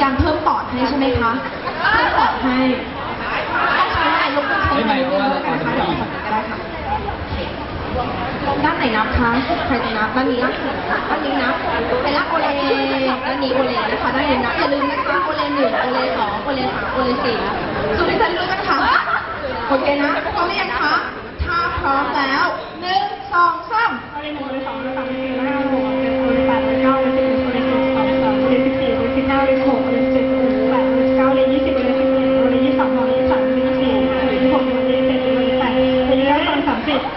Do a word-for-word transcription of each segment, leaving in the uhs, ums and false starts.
การเพิ่มปอดให้ใช่ไหมคะเพิ่มปอดให้ต้องใช้ไม้ลบกันใช้ไม้ลบกันนะคะเดี๋ยวฝั่งนี้ก็ได้ค่ะด้านไหนนับคะใครจะนับด้านนี้นับด้านนี้นับเป็นละโอเลด้านนี้โอเลนะคะด้านนี้นับอย่าลืมนะคะโอเลหนึ่งโอเลสองโอเลสามโอเลสี่สุดที่จะรู้กันค่ะโอเคนะพร้อมหรือยังคะถ้าพร้อมแล้วหนึ่งสองสามโอเลหนึ่งโอเลสองโอเลสามโอเลสี่โอเลห้าโอเลแปดโอเลเก้าโอเลสิบโอเลสิบเอ็ดโอเลสิบสองโอเลสิบสี่โอเลสิบห้าโอเลสิบหกโอเลสิบเจ็ดโอเลสิบแปดโอเลสิบเก้าโอเลยี่สิบโอเลสิบเอ็ดโอเลยี่สิบสองโอเลยี่สิบสามโอเลยี่สิบสี่โอเลยี่สิบหกโอเลยี่สิบเจ็ดโอเลยี่สิบแปดโอเลยี่สิบเก้าโอเลสามสิบ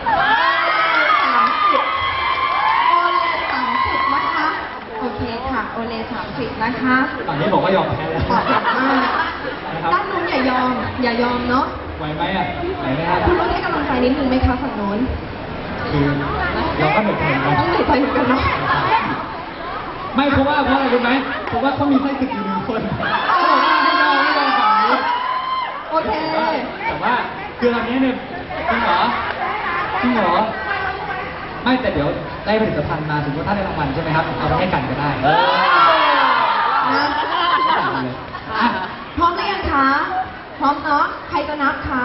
โอเคค่ะโอเลสามสิบนะคะตอนนี้บอกว่ายอมแพ้แล้วด้านนู้นอย่ายอมอย่ายอมเนาะไหวไหมอ่ะไหวไหมครับคุณรู้ให้กำลังใจนิดนึงไหมคะฝั่งโน้นคือเราก็เหนื่อยใจนะต้องเหนื่อยใจเหมือนกันเนาะไม่เพราะว่าเพราะอะไรรู้ไหมเพราะว่าเขามีไส้ศึกอยู่หนึ่งคนเขาบอกว่าไม่ยอมไม่ยอมฝั่งนี้โอเคแต่ว่าคือตอนนี้เนี่ยจริงเหรอจริงเหรอไม่แต่เดี๋ยวได้ผลิตภัณฑ์มาถึงว่าถ้าได้รางวัลใช่ไหมครับเอาไปให้กันก็ได้นะพร้อมหรือยังคะพร้อมเนาะใครจะนับคะ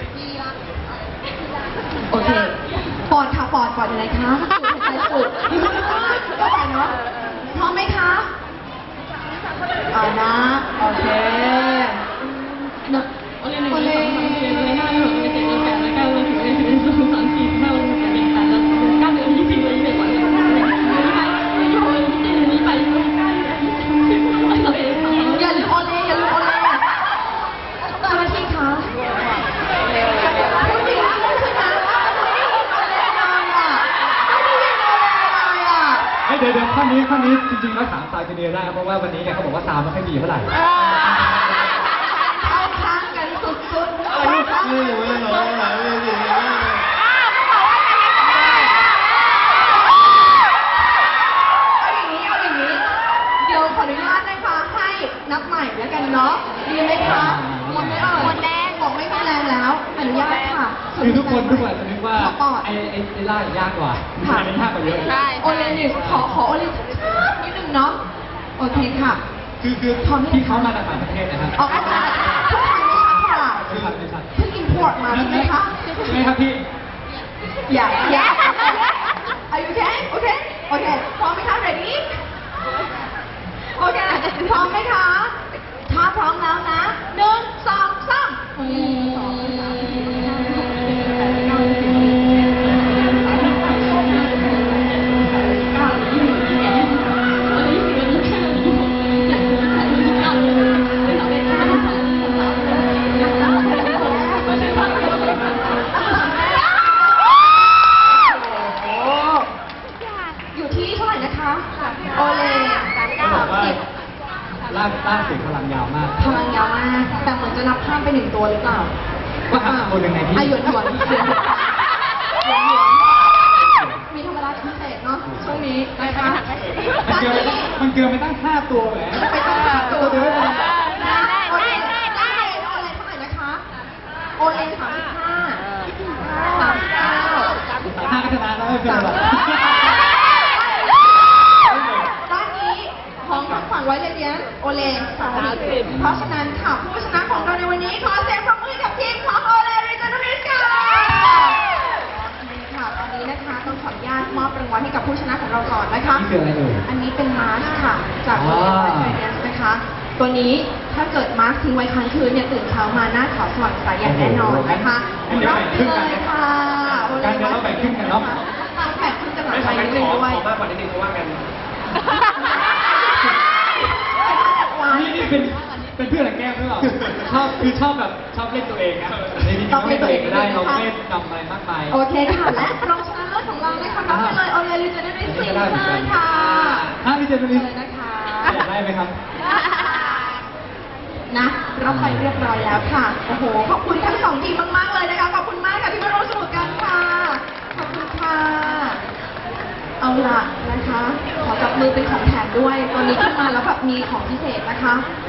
โอเคปอดค่ะปอดปอดอะไรคะใจสุดก็ไปเนาะพร้อมไหมคะอ่านะโอเคโอเลหนึ่งโอเลสองโอเลห้าโอเลหกโอเลเจ็ดโอเลแปดโอเลเก้าโอเลสิบโอเลสิบเอ็ดโอเลสามสี่ห้าโอเลหกโอเลแปดโอเลเก้าโอเลยี่สิบโอเลยี่สิบเอ็ดโอเลยี่สิบสองโอเลยี่สิบสามโอเลยี่สิบโอเลยี่สิบสี่โอเลยี่สิบห้าโอเลยี่สิบหกโอเลยี่สิบเจ็ดโอเลยี่สิบแปดโอเลยี่สิบเก้าโอเลอย่าลืมโอเลอย่าลืมโอเลเจ้าหน้าที่คะพูดดีมากเลยใช่ไหมไม่ได้ยินโอเลเลยอ่ะไม่ได้ยินโอเลเลยอ่ะเดี๋ยวเดี๋ยวข้อนี้ข้อนี้จริงๆแล้วถามซาวจูเนียร์ได้เพราะว่าวันนี้เนี่ยเขาบอกว่าซาวไม่ค่อยดีเท่าไหร่เข้าข้างกันสุดๆไม่ไม่ไม่ไม่ไม่ขออนุญาตนะคะให้นับใหม่แล้วกันเนาะดีไหมคะหมดไหมเอ่ยหมดแรงบอกไม่มีแรงแล้วอนุญาตค่ะคือทุกคนทุกคนจะนึกว่าไอ้ไอ้ไอ้ล่ายากกว่าอันนี้ยากกว่าเยอะใช่โอเลนนี่ขอขอโอเลนนิดนึงเนาะโอเคค่ะคือคือที่เขามาจากต่างประเทศนะครับออกมาจากทุกครั้งไม่ชัดค่ะเพิ่งอินพอร์ตมาใช่ไหมคะใช่ไหมครับพี่อย่าอย่าอายุแค่โอเคโอเคพร้อมไหมคะ readyโอเคพร้อมไหมคะถ้าพร้อมแล้วนะหนึ่งสองสามอยู่ที่เท่าไหร่นะคะโอเลลากลากเสียงพลังยาวมากพลังยาวมากแต่เหมือนจะนับข้ามไปหนึ่งตัวหรือเปล่าว่าทำตัวยังไงพี่อายุหยวนเสียงหยวนหยวนมีธรรมดาพิเศษเนาะช่วงนี้นะคะมันเกินมันเกินไปตั้งห้าตัวแหมไปตั้งห้าตัวเดียวได้ได้ได้ได้โอเลเท่าไหร่นะคะโอเลสามสิบห้าสามสิบเก้าห้าก็ชนะแล้วไม่เป็นไรด้านนี้ของทางฝั่งไว้เลยเดียนโอเลสามสิบเพราะฉะนั้นค่ะผู้ชนะของเราในวันนี้ขอเสียงปรบมือกับทีมของโอเลริจานูริสค่ะค่ะตอนนี้นะคะต้องขออนุญาตมอบรางวัลให้กับผู้ชนะของเราก่อนนะคะนี่คืออะไรเอ่ยอันนี้เป็นมาสค่ะจากโอเลริจานูริสนะคะตัวนี้ถ้าเกิดมาสทิ้งไว้ค้างคืนเนี่ยตื่นเช้ามาหน้าขาวสว่างใสอย่างแน่นอนนะคะรับไปเลยค่ะการเดี๋ยวเราแบ่งครึ่งกันเนาะแบ่งครึ่งกันหลังไปนิดนึงด้วยขอมากกว่านิดนึงเพราะว่ากันนี่นี่เป็นเป็นเพื่อนแก้มหรือเปล่าชอบคือชอบแบบชอบเล่นตัวเองนะในนี้ก็ไม่ตัวเองก็ได้เราไม่ทำอะไรมากมายโอเคค่ะและรองชนะเลิศของเรานะคะรับไปเลยโอเลริจานูริสสี่ท่านค่ะท่านริจานูริสนะคะอยากได้ไหมครับนะรับไปเรียบร้อยแล้วค่ะโอ้โหขอบคุณทั้งสองทีมมากๆเลยนะคะขอบคุณมากค่ะที่มาร่วมสนุกกันค่ะขอบคุณค่ะเอาล่ะนะคะขอจับมือเป็นของแถมด้วยตัวนี้ขึ้นมาแล้วแบบมีของพิเศษนะคะ